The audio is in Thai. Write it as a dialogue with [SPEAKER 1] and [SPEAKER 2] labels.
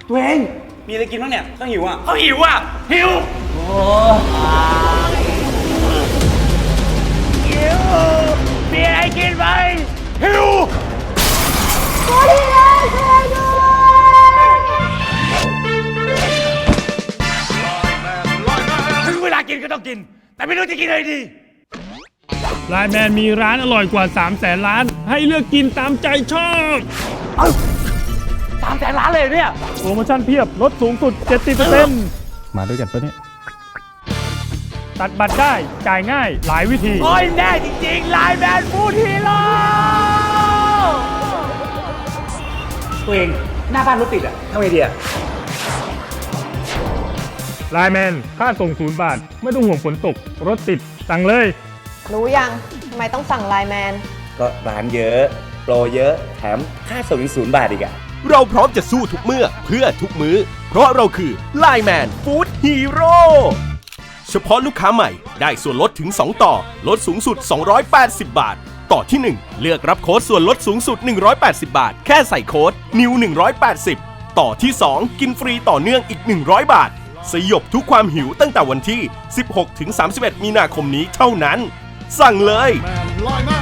[SPEAKER 1] ตัวเองมีอะไรกินบ้างเนี่ยเขาหิวหิวมีอะไรกินไหมหิวถึงเวลากินก็ต้องกินแต่ไม่รู้จะกินอะไรดี
[SPEAKER 2] ไลน์แมนมีร้านอร่อยกว่า300,000 ร้านให้เลือกกินตามใจชอบ
[SPEAKER 1] 300,000 ล้านเลยเนี่ย
[SPEAKER 2] โปรโมชั่นเพียบลดสูงสุด 70% มาด้วยกันปะเนี่ย ตัดบัตรได้จ่ายง่ายหลายวิธี
[SPEAKER 1] โอ้ยแน่จริงๆไลน์แมนฟู้ดฮีโร่ตัวเองหน้าบ้านรถติดอ่ะทำไงดีอ่ะ
[SPEAKER 2] ไลน์แมนค่าส่ง0 บาทไม่ต้องห่วงฝนตก รถติดสั่งเลย
[SPEAKER 3] รู้ยังทำไมต้องสั่งไลน์แมน
[SPEAKER 1] ก็ร้านเยอะโปรเยอะแถมค่าส่ง0 บาทอีกอ่ะ
[SPEAKER 4] เราพร้อมจะสู้ทุกเมื่อเพื่อทุกมื้อเพราะเราคือ Line Man Food Hero เฉพาะลูกค้าใหม่ได้ส่วนลดถึง 2 ต่อลดสูงสุด280 บาท ต่อที่ 1 เลือกรับโค้ดส่วนลดสูงสุด180 บาทแค่ใส่โค้ด NEW 180ต่อที่ 2 กินฟรีต่อเนื่องอีก100 บาทสยบทุกความหิวตั้งแต่วันที่ 16-31 มีนาคมนี้เท่านั้นสั่งเลย
[SPEAKER 2] Line Man